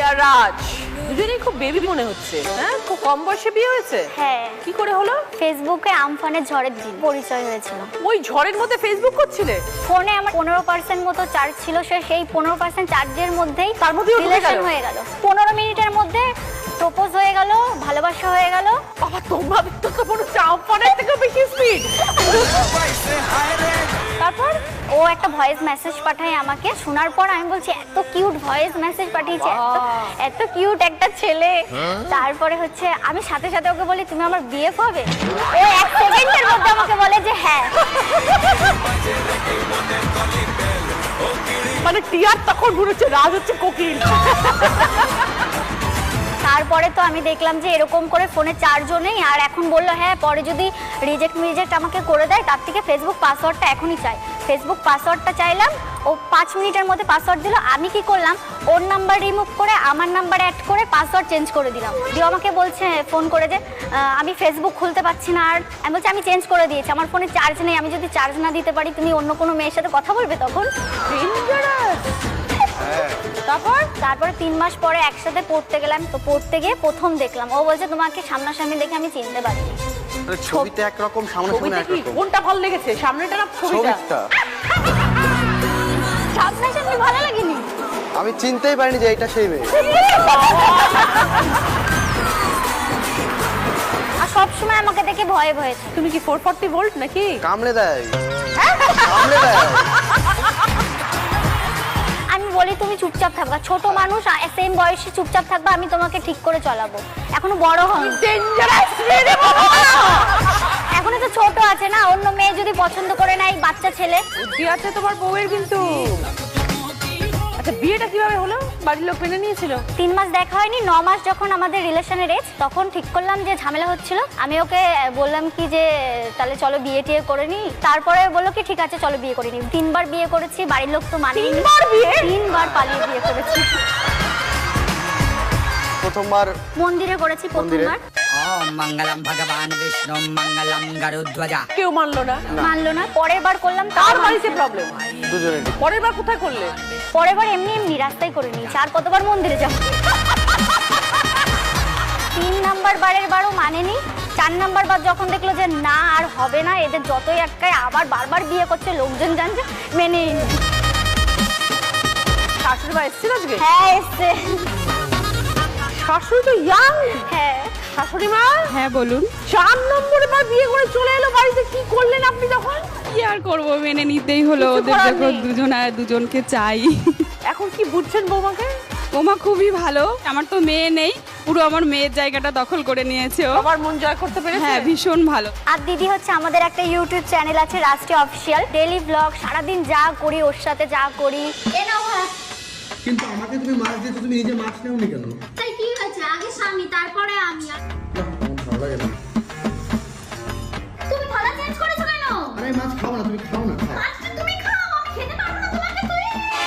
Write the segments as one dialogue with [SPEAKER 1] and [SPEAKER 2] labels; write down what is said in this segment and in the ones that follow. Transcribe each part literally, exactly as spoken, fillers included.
[SPEAKER 1] আর রাজ দুজনেই খুব বেবি মনে হচ্ছে। হ্যাঁ, খুব কম বয়সে বিয়ে হয়েছে।
[SPEAKER 2] হ্যাঁ।
[SPEAKER 1] কি করে হলো?
[SPEAKER 2] ফেসবুকে আমফানের ঝড়ের দিন পরিচয় হয়েছিল।
[SPEAKER 1] ওই ঝড়ের মধ্যে ফেসবুক করছিলে?
[SPEAKER 2] ফোনে আমার পনেরো পার্সেন্ট মতো চার্জ ছিল, সে সেই পনেরো পার্সেন্ট চার্জের মধ্যেই
[SPEAKER 1] তার মধ্যে
[SPEAKER 2] রিলেশন হয়ে গেল। পনেরো মিনিটের মধ্যে প্রপোজ হয়ে গেল, ভালোবাসা হয়ে গেল।
[SPEAKER 1] বাবা, তোমার তো তো পুরো আমফানের থেকে বেশি স্পিড। তারপর
[SPEAKER 2] ও একটা ভয়েস মেসেজ পাঠায় আমাকে, শোনার পর আমি বলছি এত কিউট ভয়েস মেসেজ পাঠিয়েছে, এত এত কিউট একটা ছেলে। তারপরে হচ্ছে আমি সাথে সাথে ওকে বলি তুমি আমার বিএফ হবে। ও এক সেকেন্ডের মধ্যে আমাকে বলে যে হ্যাঁ।
[SPEAKER 1] মানে টিয়ার তখন ঘুরেছে, রাজ হচ্ছে কোকিল।
[SPEAKER 2] তারপরে তো আমি দেখলাম যে এরকম করে ফোনে চারজন নেই, আর এখন বললো হ্যাঁ পরে যদি রিজেক্ট মিজেক্ট আমাকে করে দেয় তার থেকে ফেসবুক পাসওয়ার্ডটা এখনই চাই। ফেসবুক পাসওয়ার্ডটা চাইলাম, ও পাঁচ মিনিটের মধ্যে পাসওয়ার্ড দিল। আমি কি করলাম, ওর নাম্বার রিমুভ করে আমার নাম্বার অ্যাড করে পাসওয়ার্ড চেঞ্জ করে দিলাম। দিয়ে আমাকে বলছে ফোন করে যে আমি ফেসবুক খুলতে পারছি না। আর আমি বলছি আমি চেঞ্জ করে দিয়েছি, আমার ফোনে চার্জ নেই, আমি যদি চার্জ না দিতে পারি তুমি অন্য কোনো মেয়ের সাথে কথা বলবে তখন।
[SPEAKER 1] তারপর
[SPEAKER 2] তারপরে তিন মাস পরে একসাথে পড়তে গেলাম, তো পড়তে গিয়ে প্রথম দেখলাম, ও বলছে তোমাকে সামনাসামনি দেখে আমি চিনতে পারিনি।
[SPEAKER 3] ছবিতে একরকম, সামনাসামনি একরকম।
[SPEAKER 1] কোনটা ভালো লেগেছে, সামনেটা না ছবিটা?
[SPEAKER 2] সামনাসামনি ভালো লাগেনি,
[SPEAKER 3] আমি চিনতেই পারিনি যে এটা সেই মেয়ে।
[SPEAKER 2] আর সবসময় আমাকে দেখে ভয়ে ভয়ে থাকে।
[SPEAKER 1] তুমি কি ফোর ফর্টি ভোল্ট নাকি?
[SPEAKER 3] কামড়ে দেয়, কামড়ে দেয়।
[SPEAKER 2] আমি বলি তুমি চুপচাপ থাকবা, ছোট মানুষ সেম বয়সে চুপচাপ থাকবা, আমি তোমাকে ঠিক করে চলাবো। এখনো বড় হন, এখনো তো ছোট আছে না, অন্য মেয়ে যদি পছন্দ করে না, এই বাচ্চা ছেলে।
[SPEAKER 1] বুদ্ধি আছে তোমার বউয়ের কিন্তু। আচ্ছা, বিয়েটা কিভাবে হলো? বাড়ির লোক মেনে নিয়েছিল?
[SPEAKER 2] তিন মাস দেখা হয়নি, ন মাস যখন আমাদের রিলেশনের এজ, তখন ঠিক করলাম যে ঝামেলা হচ্ছিল। আমি ওকে বললাম কি যে তাহলে চলো বিয়ে টিয়ে করে নি। তারপরে বললো কি ঠিক আছে চলো বিয়ে করে নি। তিনবার বিয়ে করেছি, বাড়ির লোক তো মানে
[SPEAKER 1] তিনবার বিয়ে?
[SPEAKER 2] তিনবার পালিয়ে বিয়ে করেছি।
[SPEAKER 3] প্রথমবার
[SPEAKER 2] মন্দিরে করেছি প্রথমবার।
[SPEAKER 4] ওম মঙ্গলম ভগবান বিষ্ণু মঙ্গলম গরুধ্বজা।
[SPEAKER 1] কেউ মানলো না?
[SPEAKER 2] মানলো না। পরের বার করলাম,
[SPEAKER 1] তার
[SPEAKER 2] তার
[SPEAKER 1] বাড়িতে প্রবলেম।
[SPEAKER 3] দুজনে।
[SPEAKER 1] পরের বার কোথায় করলে?
[SPEAKER 2] পরের বার এমনি এমনি রাস্তায় করে নিয়েছি, আর কতবার মন্দিরে যাব। তিন নাম্বার বারের বারও মানেনি। চার নাম্বার বার যখন দেখলো যে না আর হবে না, এদের যতই একটাই আবার বারবার বিয়ে করছে, লোকজন জানছে, মেনে নিল।
[SPEAKER 1] শাশুড়ি মা এসেছিল আজকে?
[SPEAKER 2] হ্যাঁ এসছে।
[SPEAKER 1] শাশুড়ি তো ইয়াং।
[SPEAKER 2] হ্যাঁ
[SPEAKER 1] শাশুড়ি মা।
[SPEAKER 5] হ্যাঁ বলুন।
[SPEAKER 1] চার নম্বরে বার বিয়ে করে চলে এলো বাড়িতে, কি করলেন আপনি তখন?
[SPEAKER 5] কি আর করবো, মেনে নিতেই হলো,
[SPEAKER 1] কিছু
[SPEAKER 5] ওদের
[SPEAKER 1] করার
[SPEAKER 5] যখন
[SPEAKER 1] নেই।
[SPEAKER 5] দুজন আর দুজনকে চাই।
[SPEAKER 1] এখন কি বুঝছেন বৌমাকে?
[SPEAKER 5] ওমা খুবই ভালো, আমার তো মেয়ে নেই, পুরো আমার মেয়ের জায়গাটা দখল করে নিয়েছে ও।
[SPEAKER 1] আমার মন জয় করতে পেরেছে।
[SPEAKER 5] হ্যাঁ ভীষণ ভালো।
[SPEAKER 2] আর দিদি হচ্ছে আমাদের একটা ইউটিউব চ্যানেল আছে রাষ্ট্রীয় অফিসিয়াল, ডেইলি ব্লগ, সারাদিন যা করি ওর সাথে যা করি। এ নাও ভাত।
[SPEAKER 6] কিন্তু আমাকে তুমি মাছ দিয়েছো, তুমি নিজে মাছ নেওনি কেন?
[SPEAKER 2] তাই কি হয়েছে, আগে স্বামী তারপরে আমি।
[SPEAKER 6] না, আমার ভালো লাগে না।
[SPEAKER 2] তুমি থালা চেঞ্জ করেছো কেন?
[SPEAKER 6] আরে মাছ খাও না, তুমি খাও না, খাও।
[SPEAKER 2] মাছটা তুমি খাও, আমি খেতে পারবো না তোমাকে। তুই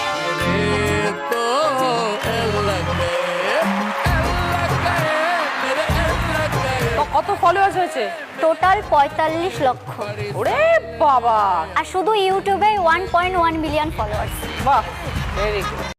[SPEAKER 1] কত ফলোয়ার্স হয়েছে?
[SPEAKER 2] টোটাল পঁয়তাল্লিশ লক্ষ।
[SPEAKER 1] ওরে বাবা।
[SPEAKER 2] আর শুধু ইউটিউবে one point one million followers.
[SPEAKER 1] বাহ, ভেরি গুড।